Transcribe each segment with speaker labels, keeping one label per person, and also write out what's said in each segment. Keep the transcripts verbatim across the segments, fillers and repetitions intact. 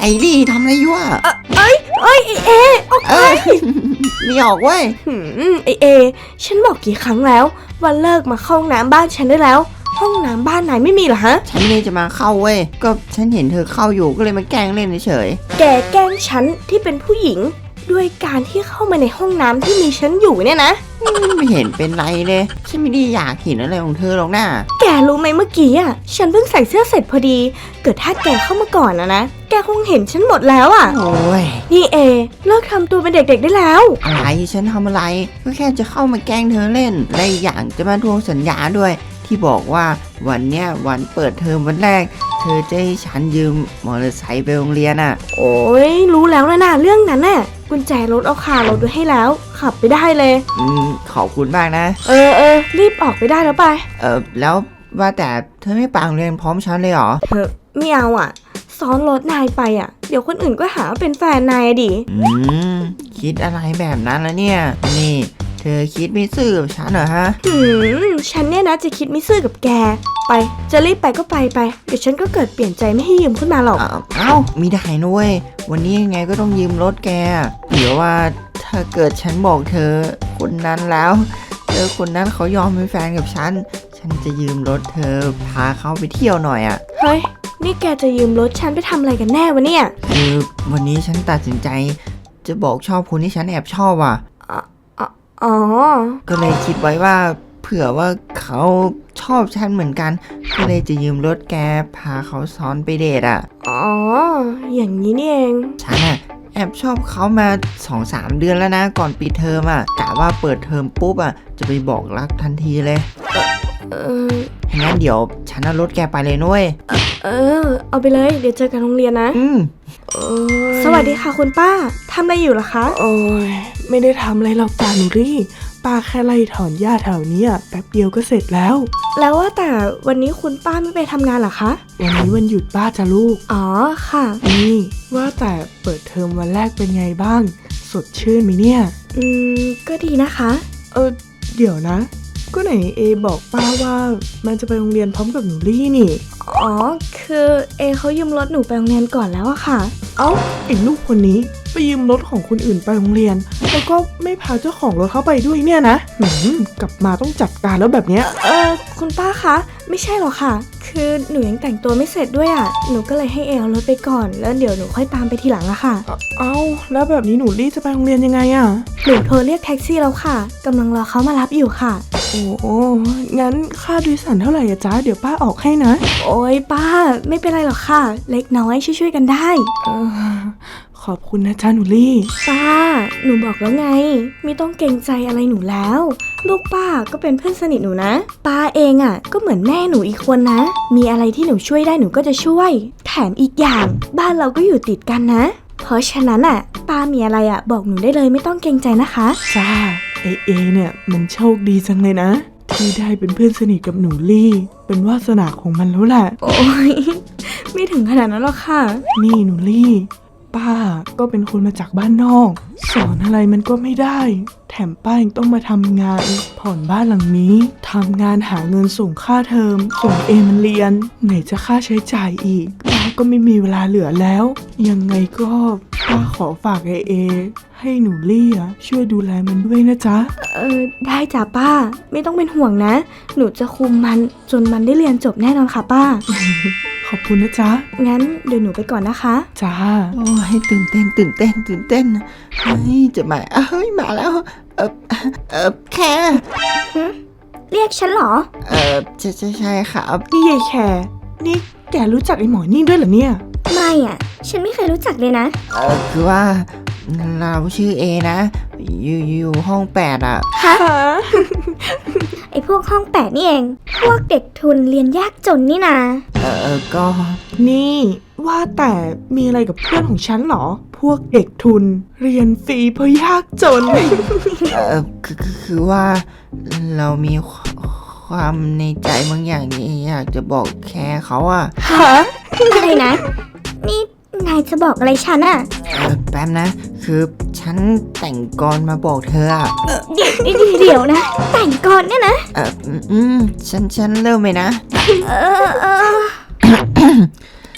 Speaker 1: ดิทำอะไรอยู่อ่ะ
Speaker 2: เอ้ยเอ้ยเอออกไป
Speaker 1: ไม่ออกเว้ย
Speaker 2: หืมไอเอฉันบอกกี่ครั้งแล้วว่าเลิกมาเข้าห้องน้ำบ้านฉันได้แล้วห้องน้ำบ้านไหนไม่มีเหรอฮะ
Speaker 1: ฉันไม่ได้จะมาเข้าเว้ยก็ฉันเห็นเธอเข้าอยู่ก็เลยมาแกล้งเล่นเฉย
Speaker 2: แกแกล้งฉันที่เป็นผู้หญิงด้วยการที่เข้ามาในห้องน้ำที่มีฉันอยู่เนี่ยนะ
Speaker 1: ไม่เห็นเป็นไรเลยฉันไม่ได้อยากเห็นอะไรของเธอหรอกนะ
Speaker 2: แกรู้ไหมเมื่อกี้อ่ะฉันเพิ่งใส่เสื้อเสร็จพอดีเกิดถ้าแกเข้ามาก่อนนะนะแกคงเห็นฉันหมดแล้วอ่ะ
Speaker 1: โอ้ย
Speaker 2: นี่เอเลิกทำตัวเป็นเด็กๆได้แล้ว
Speaker 1: อะไรฉันทำอะไรก็แค่จะเข้ามาแกล้งเธอเล่นและอย่างจะมาทวงสัญญาด้วยที่บอกว่าวันเนี้ยวันเปิดเทอมวันแรกเธอจะให้ฉันยืมมอเตอร์ไซค์ไปโรงเรียนอ่ะ
Speaker 2: โอ้ยรู้แล้วนะน่ะเรื่องนั้นน่ะกุญแจรถเอาคารถด้วยให้แล้วขับไปได้เลย
Speaker 1: อืมขอบคุณมากนะ
Speaker 2: เออเออรีบออกไปได้แล้วไป
Speaker 1: เออแล้วว่าแต่เธอไม่ไปโรงเรียนพร้อมฉันเลยเหรอ
Speaker 2: เธอไม่เอาอ่ะซ้อนรถนายไปอ่ะเดี๋ยวคนอื่นก็หาว่าเป็นแฟนนายดิ
Speaker 1: อืมคิดอะไรแบบนั้นแล้วเนี่ยนี่เธอคิดไม่ซื่อกับฉันเหรอฮะ
Speaker 2: หืมฉันเนี่ยนะจะคิดไม่ซื่อกับแกไปจะรีบไปก็ไปไปเดี๋ยวฉันก็เกิดเปลี่ยนใจไม่ให้ยืมขึ้นมาหรอก
Speaker 1: เอ้ามีได้นะเว้ยวันนี้ยังไงก็ต้องยืมรถแกเดี๋ยวว่าถ้าเกิดฉันบอกเธอคนนั้นแล้วเธอคนนั้นเขายอมเป็นแฟนกับฉันฉันจะยืมรถเธอพาเขาไปเที่ยวหน่อยอ่ะ
Speaker 2: เฮ้ยนี่แกจะยืมรถฉันไปทำอะไรกันแน่วะเนี่ย
Speaker 1: คือวันนี้ฉันตัดสินใจจะบอกชอบคนที่ฉันแอบชอบอ่ะ
Speaker 2: อ๋อ
Speaker 1: ก็เลยคิดไว้ว่าเผื่อว่าเขาชอบฉันเหมือนกันก็เลยจะยืมรถแกพาเขาซ้อนไปเดทอ่ะ
Speaker 2: อ๋ออย่างนี้นี่เอง
Speaker 1: ฉันอ่ะแอบชอบเขามา สองสาม เดือนแล้วนะก่อนปิดเทอมอ่ะกะว่าเปิดเทอมปุ๊บอ่ะจะไปบอกรักทันทีเลย
Speaker 2: เออ
Speaker 1: งั้นเดี๋ยวฉันเอารถแกไปเลยนุ้ย
Speaker 2: เออเอาไปเลยเดี๋ยวเจอกันโรงเรียนนะ
Speaker 1: อืม
Speaker 2: สวัสดีค่ะคุณป้าทำอะไรอยู่ล่ะคะ
Speaker 3: โอ้ยไม่ได้ทำอะไรหรอกจ้าหนูรี่ป้าแค่ไล่ถอนหญ้าแถวนี้แป๊บเดียวก็เสร็จแล้ว
Speaker 2: แล้วว่าแต่วันนี้คุณป้าไม่ไปทำงานเหรอคะ
Speaker 3: วันนี้วันหยุดป้าจ้ะลูก
Speaker 2: อ๋อค่ะ
Speaker 3: นี่ว่าแต่เปิดเทอมวันแรกเป็นไงบ้างสดชื่นไหมเนี่ย
Speaker 2: อืมก็ดีนะคะ
Speaker 3: เออเดี๋ยวนะก็ไหนเอบอกป้าว่ามันจะไปโรงเรียนพร้อมกับหนูรี่นี่
Speaker 2: อ๋อคือเอเขายืมรถหนูไปโรงเรียนก่อนแล้วอะค่ะ
Speaker 3: เอ้าไอ้ลูกคนนี้ไปยืมรถของคนอื่นไปโรงเรียนแล้วก็ไม่พาเจ้าของรถเข้าไปด้วยเนี่ยนะหืมกลับมาต้องจัดการแล้วแบบเนี้ย
Speaker 2: เออคุณป้าคะไม่ใช่หรอกค่ะคือหนูยังแต่งตัวไม่เสร็จด้วยอะหนูก็เลยให้เอเอารถไปก่อนแล้วเดี๋ยวหนูค่อยตามไปทีหลังอะค่ะ
Speaker 3: เอ้าแล้วแบบนี้หนูรี่จะไปโรงเรียนยังไงอะ
Speaker 2: หนูโทรเรียกแท็กซี่แล้วค่ะกำลังรอเขามารับอยู่ค่ะ
Speaker 3: โอ้งั้นค่าโดยสารเท่าไหร่อะจ๊ะเดี๋ยวป้าออกให้นะ
Speaker 2: โอ้ยป้าไม่เป็นไรหรอกค่ะเล็กน้อยช่วยๆกันได้
Speaker 3: เออขอบคุณนะจ๊ะหนูลี่
Speaker 2: ป้าหนูบอกแล้วไงไม่ต้องเกรงใจอะไรหนูแล้วลูกป้าก็เป็นเพื่อนสนิทหนูนะป้าเองอ่ะก็เหมือนแม่หนูอีกคนนะมีอะไรที่หนูช่วยได้หนูก็จะช่วยแถมอีกอย่างบ้านเราก็อยู่ติดกันนะเพราะฉะนั้นอ่ะป้ามีอะไรอ่ะบอกหนูได้เลยไม่ต้องเกรงใจนะคะ
Speaker 3: จ้าเอเอเนี่ยมันโชคดีจังเลยนะที่ได้เป็นเพื่อนสนิทกับหนูลี่เป็นวาสนาของมันแล้วแหละ
Speaker 2: โอ้ยไม่ถึงขนาดนั้นหรอกค่ะ
Speaker 3: นี่หนูลี่ป้าก็เป็นคนมาจากบ้านนอกสอนอะไรมันก็ไม่ได้แถมป้ายังต้องมาทำงานผ่อนบ้านหลังนี้ทำงานหาเงินส่งค่าเทอมส่งเอมันเรียนไหนจะค่าใช้จ่ายอีกป้าก็ไม่มีเวลาเหลือแล้วยังไงก็ป้าขอฝากเอเอให้หนูลี่ช่วยดูแลมันด้วยนะจ๊ะ
Speaker 2: เออได้จ้ะป้าไม่ต้องเป็นห่วงนะหนูจะคุมมันจนมันได้เรียนจบแน่นอนค่ะป้า
Speaker 3: ขอบคุณนะจ๊ะ
Speaker 2: งั้นเดี๋ยวหนูไปก่อนนะคะ
Speaker 3: จ้า
Speaker 1: โอ้ยตื่นเต้นตื่นเต้นตื่นเต้นเฮ้ยจะมาเฮ้ยมาแล้วเออเออแค่
Speaker 2: เรียกฉันเหรอ
Speaker 1: เออใช่ใช่ใช่ครับ
Speaker 3: นี่ยายแคร์นี่แกรู้จักไอ้หมอนี่ด้วยเหรอเนี่ย
Speaker 2: ไม่อ่ะฉันไม่เคยรู้จักเลยนะ
Speaker 1: เออคือว่าเราชื่อเอนะอยู่อยู่ห้องแปดอ่ะ
Speaker 2: ฮะไอพวกห้องแปดนี่เองพวกเด็กทุนเรียนยากจนนี่นา
Speaker 1: เออก็
Speaker 3: นี่ว่าแต่มีอะไรกับเพื่อนของฉันเหรอพวกเด็กทุนเรียนฟรีเพราะยากจน
Speaker 1: เออคือคือว่าเรามีความในใจบางอย่างที่อยากจะบอกแค่เขาอะ
Speaker 2: ฮะอะไรนะนี่นายจะบอกอะไรฉันอะ
Speaker 1: เออแป๊บนะคือฉันแต่งกรมาบอกเธออะ
Speaker 2: เดี๋ยวเดี๋ยวนะแต่งกรเนี่ยนะ
Speaker 1: เอออืมฉันฉันเริ่มเลยนะ
Speaker 2: เออเออ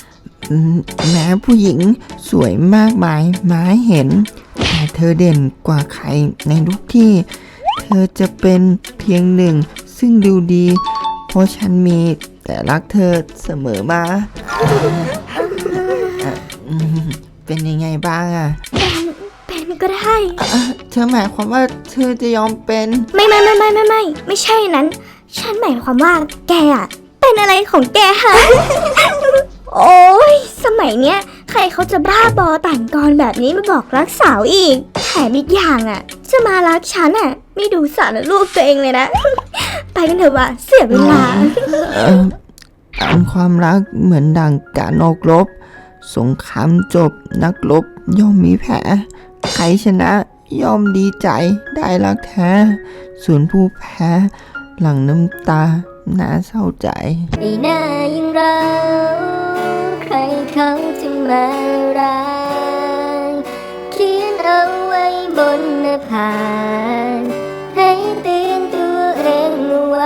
Speaker 1: แม้ผู้หญิงสวยมากมายมาให้เห็นแต่เธอเด่นกว่าใครในทุกที่ เธอจะเป็นเพียงหนึ่งซึ่งดูดี เพราะฉันมีแต่รักเธอเสมอมาอ่ะอืมเป็นยังไงบ้างอ่ะ
Speaker 4: เป็นก็ได้
Speaker 1: เธอหมายความว่าเธอจะยอมเป็น
Speaker 4: ไม่ไม่ไม่ไม่ไม่ไม่ไม่ใช่นั้น ฉันหมายความว่าแกอะเป็นอะไรของแกฮะ โอ้ยสมัยเนี้ย ใครเขาจะบ้าบอแต่งกรแบบนี้มาบอกรักสาวอีกแถมอีกอย่างอ่ะ จะมารักฉันอ่ะ ไม่ดูสารรูปตัวเองเลยนะ ไปกันเถอะว่ะเสียเวลา
Speaker 1: เอ่ออันความรักเหมือนดังการออกรบ สงครามจบนักรบย่อมมีแพ้ใครชนะย่อมดีใจได้รักแท้ ส่วนผู้แพ้หลั่งน้ำตาน่าเศร้าใจ
Speaker 4: ในหน้ายังเราใครเขาจะมารักเขียนเอาไว้บนหน้าผากให้เตือนตัวเองเอาไว้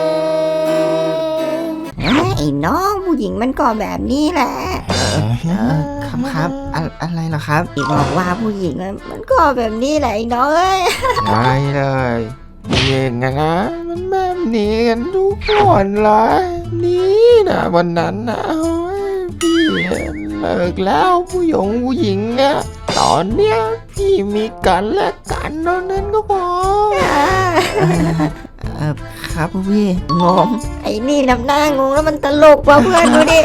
Speaker 5: ไอ้น้องผู้หญิงมันก็แบบนี้แหละ
Speaker 1: เอ่อครับครับอะอะไรเหรอครับ
Speaker 5: อีบอกว่าผู้หญิงอะมันก็แบบนี้แหละไอ้น้องเอ้ย
Speaker 6: ได้เลยเองนะมันแบบนี้กันทุกคนเลยนี่นะวันนั้นนะโอ้ยพี่เลิกแล้วผู้หญิงผู้หญิงอะตอนเนี้ยพี่มีกันและกันเท่านั้นก็พอ
Speaker 1: เออครับพวกพี่
Speaker 5: งงไอ้นี่นำหน้างงแล้วมันตลกว่ะเพื่อนดูดิ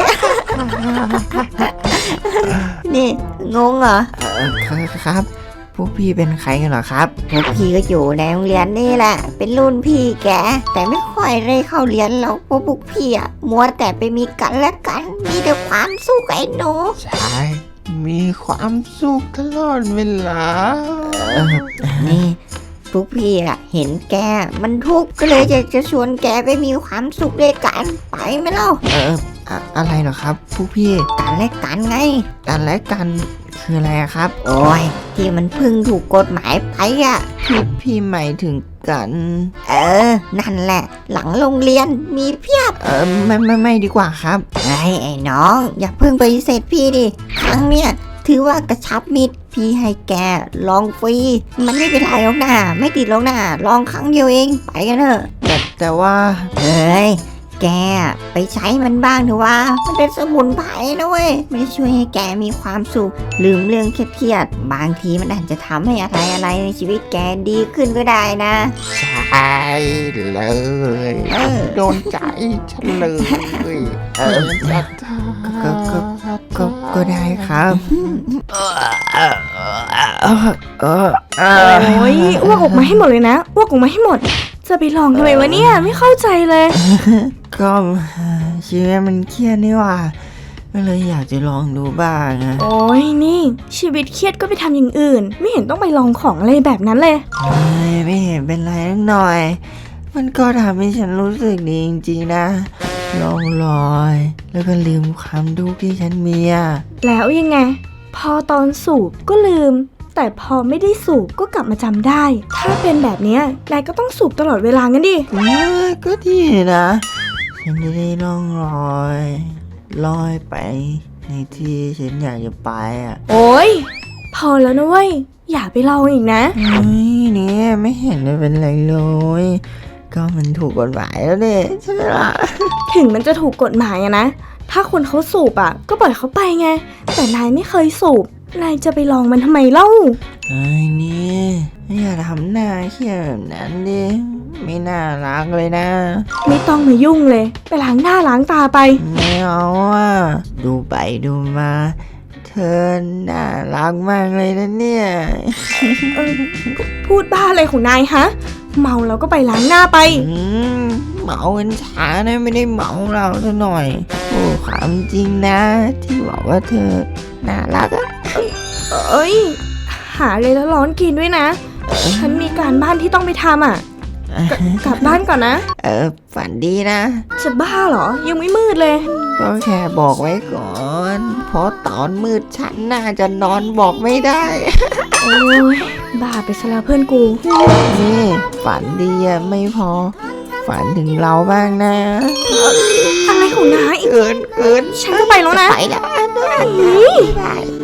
Speaker 5: นี่งงเหรอ
Speaker 1: เออครับครับพวกพี่เป็นใครกันเหรอครับ
Speaker 5: พวกพี่ก็อยู่ในโรงเรียนนี่แหละ เป็นรุ่นพี่แก แต่ไม่ค่อยได้เข้าเรียนแล้วเพราะพวกพี่อะมัวแต่ไปมีกันและกัน มีแต่ความสุขไอ้หนู
Speaker 6: ใช่มีความสุขตลอดเวลา
Speaker 1: เออ
Speaker 5: นี่พวกพี่อะเห็นแกมันทุกข์ก็เลยอยากจะชวนแกไปมีความสุขด้วยกันไปไหมเล่า
Speaker 1: เอออะอะไรเหรอครับพวกพี่
Speaker 5: กันและกันไง
Speaker 1: กันและกันคืออะไรอะครับ
Speaker 5: โอ้ยที่มันเพึ่งถูกกฎหมายไปอ่ะ
Speaker 1: พี่พี่หมายถึงกัน
Speaker 5: เออ นั่นแหละ หลังโรงเรียนมีเพียบ
Speaker 1: เออไม่ไม่ไม่ดีกว่าครับ
Speaker 5: ไอ้ไอ้น้อง อย่าเพิ่งไปฏิเสธพี่ดิ ครั้งเนี้ยถือว่ากระชับมิตรพี่ให้แกลองฟรี มันไม่เป็นไรหรอกนะไม่ติดหรอกนะลองครั้งเดียวเองไปกันเถอะ
Speaker 1: แต่แต่ว่า
Speaker 5: เฮ้ย แกไปใช้มันบ้างเถอะว่า มันเป็นสมุนไพรนะเว้ยมันจะช่วยให้แกมีความสุข ลืมเรื่องเครียดๆบางทีมันอาจจะทำให้อะไรอะไรในชีวิตแกดีขึ้นก็ได้นะ
Speaker 6: ใช่เลย
Speaker 5: เออ
Speaker 6: โดนใจฉันเลยเออจัด
Speaker 1: ก็ก็ก็ก็ได้ครับเออเออเออเออ
Speaker 2: โอ้ยอ้วกออกมาให้หมดเลยนะอ้วกออกมาให้หมด จะไปลองทำไมวะเนี่ยไม่เข้าใจเลย
Speaker 1: ก็ชีวิตมันเครียดนี่หว่าก็เลยอยากจะลองดูบ้างอะ
Speaker 2: โอ้ยนี่ชีวิตเครียดก็ไปทำอย่างอื่น ไม่เห็นต้องไปลองของอะไรแบบนั้นเลย
Speaker 1: เฮ้ยไม่เห็นเป็นไรนักหน่อย มันก็ทำให้ฉันรู้สึกดีจริงๆนะลองลอย แล้วก็ลืมความทุกข์ที่ฉันมีอะ
Speaker 2: แล้วยังไง พอตอนสูบก็ลืม แต่พอไม่ได้สูบก็กลับมาจำได้ ถ้าเป็นแบบเนี้ยนายก็ต้องสูบตลอดเวลางั้นดิ
Speaker 1: เออก็ดีนะ ฉันจะได้ล่องลอยลอยไปในที่ฉันอยากจะไปอ่ะ
Speaker 2: โอ้ยพอแล้วนะเว้ยอย่าไปลองอีกนะ
Speaker 1: เฮ้ยเนี่ยไม่เห็นจะเป็นไรเลย ก็มันถูกกฎหมายแล้วเนี่ยใช่ไหมล่ะ
Speaker 2: ถึงมันจะถูกกฎหมายอะนะ ถ้าคนเขาสูบอะก็ปล่อยเขาไปไง แต่นายไม่เคยสูบ นายจะไปลองมันทำไมเล่า
Speaker 1: ไอ้นี่อย่าทำหน้าเครียดแบบนั้นดิไม่น่ารักเลยนะ
Speaker 2: ไม่ต้องมายุ่งเลย ไปล้างหน้าล้างตาไป
Speaker 1: ไม่เอาอ่ะดูไปดูมา เธอน่ารักมากเลยนะเนี่ย
Speaker 2: เออพูดบ้าอะไรของนายฮะ เมาแล้วก็ไปล้างหน้าไป
Speaker 1: อืมเมากันช้านะไม่ได้เมาเราซะหน่อยโอ้ความจริงนะ ที่บอกว่าเธอน่ารักอะ
Speaker 2: เอ้ย หาเลยแล้วร้อนกินด้วยนะ ฉันมีการบ้านที่ต้องไปทำอ่ะกกลับบ้านก่อนนะ
Speaker 1: เออฝันดีนะ
Speaker 2: จะบ้าเหรอ ยังไม่มืดเลย
Speaker 1: ก็แค่บอกไว้ก่อน เพราะตอนมืดฉันน่าจะนอนบอกไม่ได้
Speaker 2: โอ้ยบ้าไปซะแล้วเพื่อนกู
Speaker 1: นี่ฝันดีอะไม่พอ ฝฝันถึงเราบ้างนะ
Speaker 2: อะไรของนาย
Speaker 1: เกินเกิน
Speaker 2: ฉันจะไปแล้วนะ
Speaker 5: ไปแล้ว
Speaker 2: อุ๊ย